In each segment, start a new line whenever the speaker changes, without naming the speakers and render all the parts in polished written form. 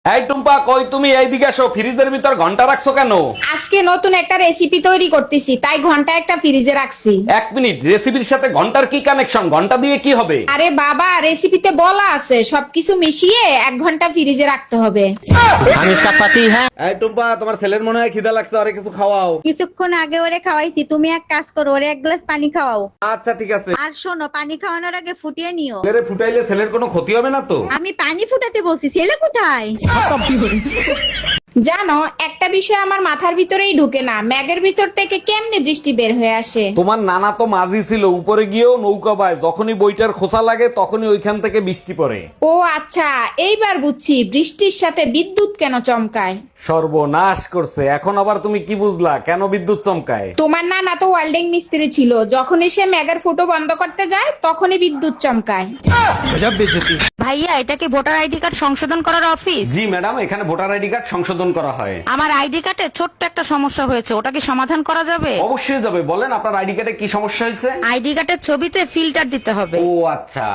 এই টুম্পা, কই তুমি? এইদিকে আসো। ফ্রিজের ভিতর ঘন্টা রাখছো কেন?
আজকে নতুন একটা রেসিপি তৈরি করতেছি, তাই ঘন্টা একটা ফ্রিজে রাখছি।
1 মিনিট, রেসিপির সাথে ঘন্টার কি কানেকশন? ঘন্টা দিয়ে কি হবে?
আরে বাবা, রেসিপিতে বলা আছে সবকিছু মিশিয়ে 1 ঘন্টা ফ্রিজে রাখতে হবে।
हम इसका पति है।
এই টুম্পা, তোমার ছেলের মনে হয় খিদা লাগছে, আরে কিছু খাওয়াও।
কিছুক্ষণ আগে ওরে খাওয়াইছি, তুমি এক কাজ করো, ওরে এক গ্লাস পানি খাওয়াও।
আচ্ছা ঠিক আছে।
আর শোনো, পানি খাওয়ানোর আগে ফুটিয়ে নিও।
ছেলেরে ফুটাইলে ছেলের কোনো ক্ষতি হবে না তো?
আমি পানি ফুটাতে বলছি, ছেলে কোথায়?
জানো, একটা বিষয় আমার মাথার ভিতরেই ঢুকে না, ম্যাগের ভিতর থেকে কেমনে বৃষ্টি বের হয়ে আসে।
তোমার নানা তো মাঝি ছিল, উপরে গিয়েও নৌকা বায়, যখনই বইটার খোসা লাগে তখনই ওইখান থেকে বৃষ্টি পড়ে।
ও আচ্ছা, এইবার বুঝছি বৃষ্টির সাথে বিদ্যুৎ কেন চমকায়।
সর্বনাশ করছে, এখন আবার তুমি কি বুঝলা কেন বিদ্যুৎ চমকায়?
তোমার নানা তো ওয়েল্ডিং মিস্ত্রি ছিল, যখনই সে ম্যাগের ফুটো বন্ধ করতে যায় তখনই বিদ্যুৎ চমকায়।
ভাইয়া, এটা কি ভোটার আইডি কার্ড সংশোধন করার অফিস?
জি ম্যাডাম, এখানে ভোটার আইডি কার্ড সংশোধন করা হয়।
আমার আইডি কার্ডে ছোট্ট একটা সমস্যা হয়েছে, ওটা কি সমাধান করা যাবে?
অবশ্যই যাবে, বলেন আপনার আইডি কার্ডে কি সমস্যা হয়েছে?
আইডি কার্ডের ছবিতে ফিল্টার দিতে হবে।
ও আচ্ছা।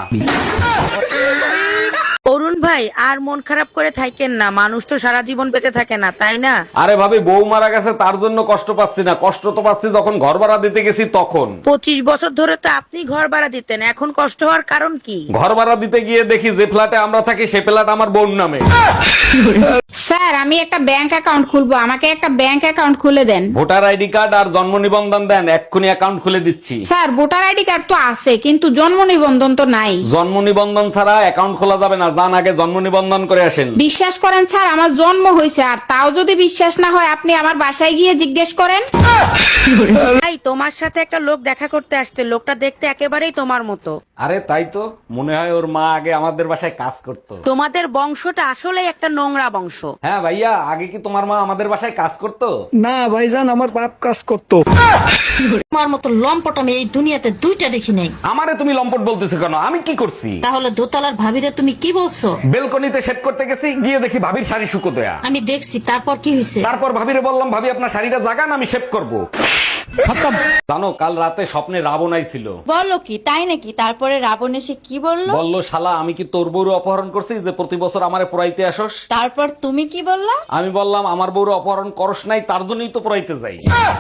অরুণ ভাই, আর মন খারাপ করে থাকেন না, মানুষ তো সারা জীবন বেঁচে থাকে না, তাই না?
আরে ভাবি, বউ মারা গেছে তার জন্য কষ্ট পাচ্ছি না, কষ্ট তো পাচ্ছি যখন ঘর ভাড়া দিতে গেছি তখন।
25 বছর ধরে তো আপনি ঘর ভাড়া দিতেন, এখন কষ্ট হওয়ার কারণ কি?
ঘর ভাড়া দিতে গিয়ে দেখি যে ফ্ল্যাটে আমরা থাকি সে ফ্ল্যাট আমার বোন নামে।
স্যার, আমি একটা ব্যাংক অ্যাকাউন্ট খুলবো, আমাকে একটা ব্যাংক অ্যাকাউন্ট খুলে দেন।
ভোটার আইডি কার্ড আর জন্ম নিবন্ধন দেন, এক্ষুনি অ্যাকাউন্ট খুলে দিচ্ছি।
স্যার, ভোটার আইডি কার্ড তো আছে, কিন্তু জন্ম নিবন্ধন তো নাই।
জন্ম নিবন্ধন ছাড়া অ্যাকাউন্ট খোলা যাবে না, যান আগে জন্ম নিবন্ধন করে আসেন।
বিশ্বাস করেন স্যার, আমার জন্ম হয়েছে, আর তাও যদি বিশ্বাস না হয় আপনি আমার বাসায় গিয়ে জিজ্ঞেস করেন।
ভাই, তোমার সাথে একটা লোক দেখা করতে আসছে, লোকটা দেখতে একেবারেই তোমার মতো।
আরে তাই তো, মনে হয় ওর মা আগে আমাদের বাসায় কাজ করতো।
তোমাদের বংশটা আসলে একটা নোংরা বংশ।
হ্যাঁ ভাইয়া, আগে কি তোমার মা আমাদের বাসায় কাজ করতো?
না ভাইজান, আমার বাপ কাজ করতো।
তোমার মতো লম্পট আমি এই দুনিয়াতে দুইটা দেখি নাই।
আমারে তুমি লম্পট বলতেছো কেন? আমি কি করছি?
তাহলে দোতলার ভাবিরে তুমি কি বলছো?
বেলকনিতে সেট করতে গেছি, গিয়ে দেখি ভাবির শাড়ি শুকো দেয়া।
আমি দেখছি, তারপর কি হয়েছে?
তারপর ভাবিরে বললাম, ভাবি আপনার শাড়িটা জাগান, আমি শেভ করবো। জানো, কাল রাতে স্বপ্নে রাবণ আইছিল।
বলো কি, তাই নাকি? তারপরে রাবণ এসে কি বললো?
বললো, শালা আমি কি তোর বউরে অপহরণ করছি যে প্রতি বছর আমারে পোড়াইতে আসস?
তারপর তুমি কি বললা?
আমি বললাম, আমার বউরে অপহরণ করস নাই, তার জন্যই তো পোড়াইতে যাই।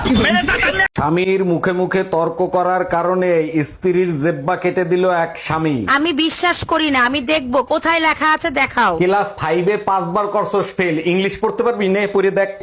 স্বামীর মুখে মুখে তর্ক করার কারণে স্ত্রীর জেব্বা কেটে দিল এক স্বামী।
আমি বিশ্বাস করি না, আমি দেখবো কোথায় লেখা আছে, দেখাও।
ক্লাস 5-এ 5 বার করছস ফেল, ইংলিশ পড়তে পারবি? নে পড়ে দেখ।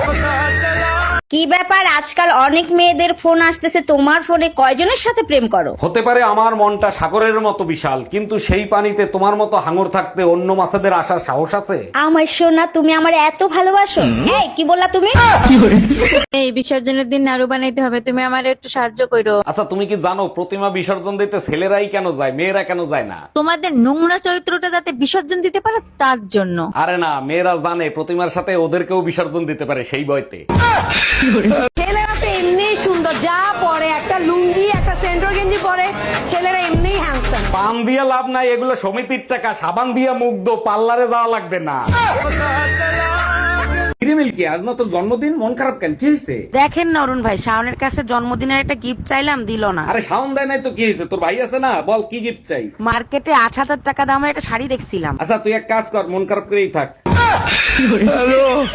কি ব্যাপার, আজকাল অনেক মেয়েদের ফোন আসতেছে, তোমার ফোনে কয়জনের সাথে প্রেম করো?
হতে পারে আমার মনটা সাগরের মতো বিশাল, কিন্তু সেই পানিতে তোমার মতো হাঙর থাকতে অন্য মাছেদের আসার সাহস আছে?
আমার সোনা, তুমি আমার এত ভালোবাসো? এই কি বললা তুমি?
এই বিসর্জনের দিন নাড়ু বানাইতে হবে, তুমি আমার একটু সাহায্য করো।
আচ্ছা, তুমি কি জানো প্রতিমা বিসর্জন দিতে ছেলেরাই কেন যায়, মেয়েরা কেন যায় না?
তোমাদের নোংরা চরিত্রটা যাতে বিসর্জন দিতে পারো তার জন্য।
আরে না, মেয়েরা জানে প্রতিমার সাথে ওদেরকেও বিসর্জন দিতে পারে, সেই ভয়তে।
ছেলেরা তো এমনি সুন্দর, যা পরে একটা লুঙ্গি একটা সেন্ট্রো গেঞ্জি পরে, ছেলেরা এমনি হ্যান্ডসাম।
পান দিয়ে লাভ নাই, এগুলো সমিতির টাকা, সাবান দিয়ে মুখ দো, পার্লারে যাওয়া লাগবে না। কিরে মিল্কি, আজ না তোর জন্মদিন, মন খারাপ কেন? কি হয়েছে?
দেখেন না অরুণ ভাই, শাওনের কাছে জন্মদিনের একটা গিফট চাইলাম, দিল না।
আরে শাওন দেয় নাই তো কি হয়েছে? তোর ভাই আছে না, বল কি গিফট চাই?
মার্কেটে 8,000 টাকা দামের একটা শাড়ি দেখছিলাম।
আচ্ছা তুই এক কাজ কর, মন খারাপ করেই থাক।